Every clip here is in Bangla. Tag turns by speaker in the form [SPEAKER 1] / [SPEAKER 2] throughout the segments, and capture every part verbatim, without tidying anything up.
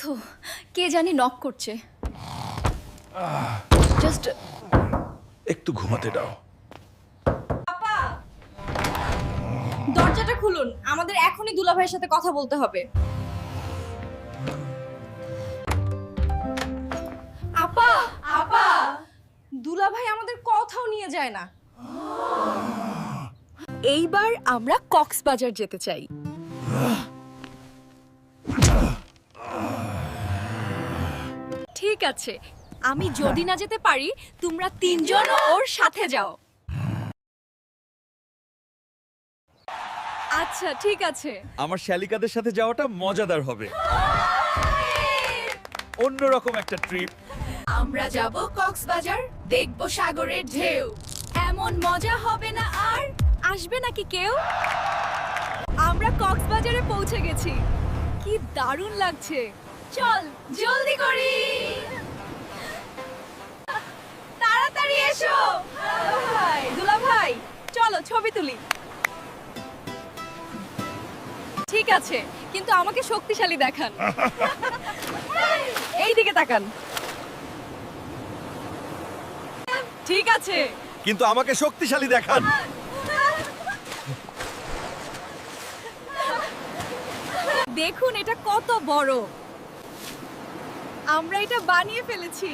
[SPEAKER 1] ক্লান্ত, কে জানি নক করছে। জাস্ট
[SPEAKER 2] একটু ঘুমাতে দাও।
[SPEAKER 1] আপা, দরজাটা খুলুন, আমাদের এখনই দুলাভাইয়ের সাথে কথা বলতে হবে। আপা, আপা, দুলাভাই আমাদের কোথাও নিয়ে যায় না। এইবার আমরা কক্সবাজার যেতে চাই। ঠিক আছে, আমি যদি না যেতে পারি, তোমরা তিনজন ওর সাথে যাও। আচ্ছা, ঠিক আছে।
[SPEAKER 2] আমার শ্যালিকাদের সাথে যাওয়াটা মজাদার হবে, অন্যরকম একটা ট্রিপ।
[SPEAKER 1] আমরা যাব কক্সবাজার, দেখব সাগরের ঢেউ। এমন মজা হবে না আর, আসবে নাকি কেউ? আমরা কক্সবাজারে পৌঁছে গেছি, কি দারুণ লাগছে। চল জলদি করি, তাড়াতাড়ি এসো। ভাই, দুলা ভাই, চলো ছবি তুলি। ঠিক আছে, কিন্তু আমাকে শক্তিশালী দেখান। এই দিকে তাকান। ঠিক আছে,
[SPEAKER 2] কিন্তু আমাকে শক্তিশালী দেখান।
[SPEAKER 1] দেখুন এটা কত বড়। আমরা এটা বানিয়ে ফেলেছি।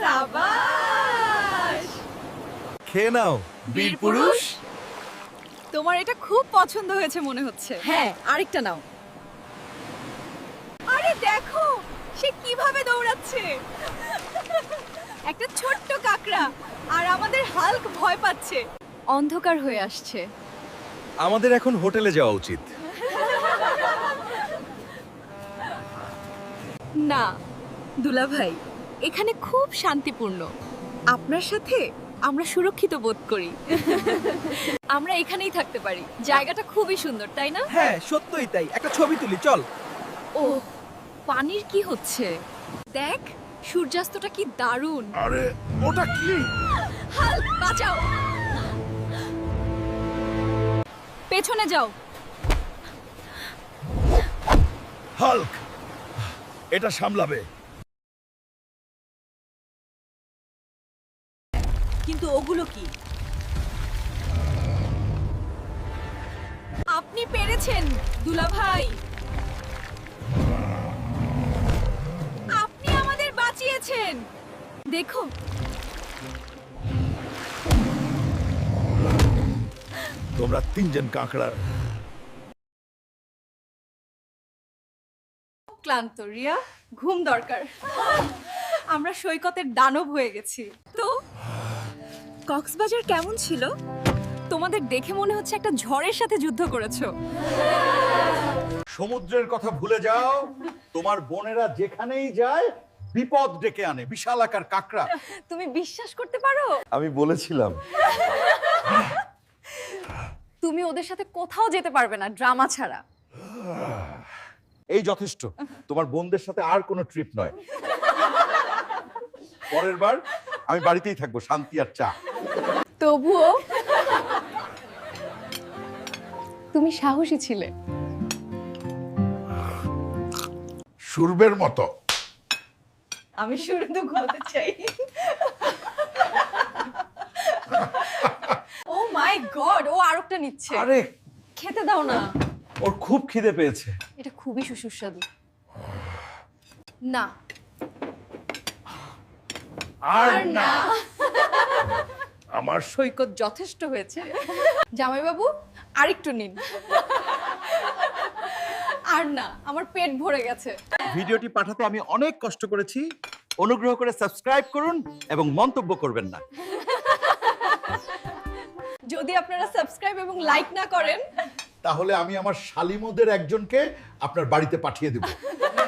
[SPEAKER 1] সাবাস!
[SPEAKER 2] খেয়ে নাও বীর পুরুষ।
[SPEAKER 1] তোমার এটা খুব পছন্দ হয়েছে মনে হচ্ছে। হ্যাঁ, আরেকটা নাও। আরে দেখো, সে কিভাবে দৌড়াচ্ছে। একটা ছোট্ট কাকড়া, আর আমাদের হাল্ক ভয় পাচ্ছে। অন্ধকার হয়ে আসছে।
[SPEAKER 2] আমাদের এখন হোটেলে যাওয়া উচিত।
[SPEAKER 1] না দুলাভাই, এখানে খুব শান্তিপূর্ণ। আপনার সাথে আমরা সুরক্ষিত বোধ করি। আমরা এখানেই থাকতে পারি, জায়গাটা খুবই সুন্দর, তাই না?
[SPEAKER 2] হ্যাঁ, সত্যই তাই। একটা ছবি তুলি, চল।
[SPEAKER 1] ও, পানির কি হচ্ছে দেখ, সূর্যাস্তটা কি দারুণ।
[SPEAKER 2] আরে ওটা কি?
[SPEAKER 1] হাল্ক, বাঁচাও। পেছনে যাও।
[SPEAKER 2] হাল্ক এটা সামলাবে।
[SPEAKER 1] কিন্তু ওগুলো কি? আপনি পেরেছেন দুলাভাই, আপনি আমাদের বাঁচিয়েছেন। দেখো,
[SPEAKER 2] তোমরা তিনজন কাঁকড়া।
[SPEAKER 1] ক্লান্ত রিয়া, ঘুম দরকার। আমরা সৈকতের দানব হয়ে গেছি। তো কক্সবাজার কেমন ছিল? তোমাদের দেখে মনে হচ্ছে একটা ঝড়ের সাথে যুদ্ধ করেছো।
[SPEAKER 2] সমুদ্রের কথা ভুলে যাও। তোমার বোনেরা যেখানেই যায় বিপদ ডেকে আনে, বিশাল আকার কাঁকড়া।
[SPEAKER 1] তুমি বিশ্বাস করতে পারো?
[SPEAKER 2] আমি বলেছিলাম।
[SPEAKER 1] তুমি ওদের সাথে কোথাও যেতে পারবে না ড্রামা ছাড়া।
[SPEAKER 2] এই যথেষ্ট। তোমার বোনদের সাথে আর কোনো ট্রিপ নয়। পরের বার আমি বাড়িতেই থাকবো, শান্তি আর চা।
[SPEAKER 1] তবুও তুমি সাহসী ছিলে।
[SPEAKER 2] সুরবের মতো।
[SPEAKER 1] আমি শুধু ঘুমাতে চাই। ও মাই গড, ও আরেকটা নিচ্ছে।
[SPEAKER 2] আরে
[SPEAKER 1] খেতে দাও না।
[SPEAKER 2] ওর খুব খিদে পেয়েছে।
[SPEAKER 1] এটা খুবই সুস্বাদু। না
[SPEAKER 2] আর না, আমার
[SPEAKER 1] সৈকত যথেষ্ট হয়েছে। জামাইবাবু, আরেকটু নিন। আর না, আমার পেট ভরে গেছে।
[SPEAKER 2] ভিডিওটি পাঠাতে আমি অনেক কষ্ট করেছি। অনুগ্রহ করে সাবস্ক্রাইব করুন এবং মন্তব্য করবেন না।
[SPEAKER 1] যদি আপনারা সাবস্ক্রাইব এবং লাইক না করেন,
[SPEAKER 2] তাহলে আমি আমার শালিমদের একজনকে আপনার বাড়িতে পাঠিয়ে দেব।